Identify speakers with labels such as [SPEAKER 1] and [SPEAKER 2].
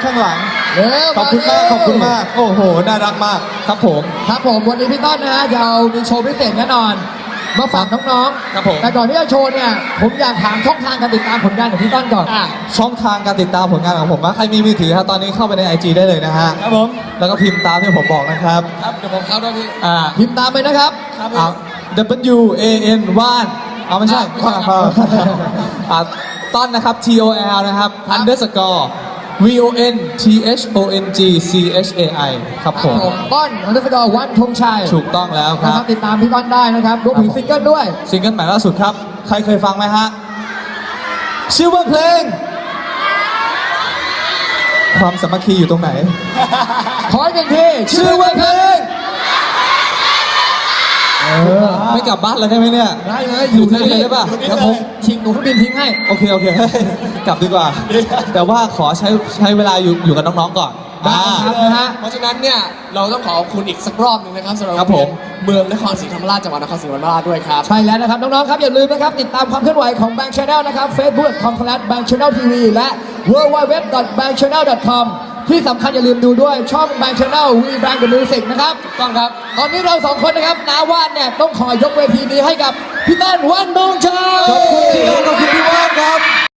[SPEAKER 1] ข้างหลัง
[SPEAKER 2] ขอบคุณมากขอบคุณมาก
[SPEAKER 1] โอ้โหน่ารักมากครับผม
[SPEAKER 2] วันนี้พี่ต้นนะฮะจะเอามีโชว์พิเศษแน่นอนมาฝากน้องๆ
[SPEAKER 1] ครับผม
[SPEAKER 2] แต่ก่อนที่จะโชว์เนี่ยผมอยากถามช่องทางการติดตามผลงานของพี่ต้นก่อน
[SPEAKER 1] ช่องทางการติดตามผลงานของผมว่าใครมีมือถือครับตอนนี้เข้าไปใน IG ได้เลยนะฮะ
[SPEAKER 2] ครับผม
[SPEAKER 1] แล้วก็พิมพ์ตามที่ผมบอกนะครับ
[SPEAKER 3] เดี๋ยวผมเข้าด้วยพี่
[SPEAKER 2] พิมพ์ตามไปนะครับ
[SPEAKER 1] WAN ว่านไม่ใช่ต้นนะครับ TOL นะครับ underscore VONTHONGCHAI ครับผม
[SPEAKER 2] ต้นunderscore วันธงชัย
[SPEAKER 1] ถูกต้องแล้วครับ
[SPEAKER 2] ติดตามพี่ต้นได้นะครับรวมถึงซิงเกิลด้วย
[SPEAKER 1] ซิงเกิลใหม่ล่าสุดครับใครเคยฟังไหมฮะชื่อว่าเพลงความสามัคคีอยู่ตรงไหน
[SPEAKER 2] ขออีกหนึ่งที
[SPEAKER 1] ชื่อว่าเพลงไม่กลับบ้านเลยได้ไหมเนี่ย
[SPEAKER 2] ได้เลย
[SPEAKER 1] อยู่ที่นี่ได้ป่ะ
[SPEAKER 2] เดี๋ยวผมทิ้งหนูเครื่องบินทิ้งให้
[SPEAKER 1] โอเคกลับดีกว่าแต่ว่าขอใช้เวลาอยู่กับน้องๆก่อน
[SPEAKER 2] นะฮะ
[SPEAKER 3] เพราะฉะนั้นเนี่ยเราต้องขอบคุณอีกสักรอบหนึ่งนะครับสำหรับเมืองนครศรีธรรมราชจังหวัดนครศรีธรรมราชด้วยครับ
[SPEAKER 2] ใช่แล้วนะครับน้องๆครับอย่าลืมนะครับติดตามความเคลื่อนไหวของ Bang Channel นะครับ facebook.com/bangchanneltv และ www.bangchannel.com ที่สำคัญอย่าลืมดูด้วยช่อง Bang Channel We Bang the Music นะครับ
[SPEAKER 3] ต้องครับ
[SPEAKER 2] ตอนนี้เราสองคนนะครับน้าว่านเนี่ยต้องขอยกเวทีนี้ให้กับพี่ต้นวันธงชัย
[SPEAKER 1] ขอบคุณพี่ว่านครับ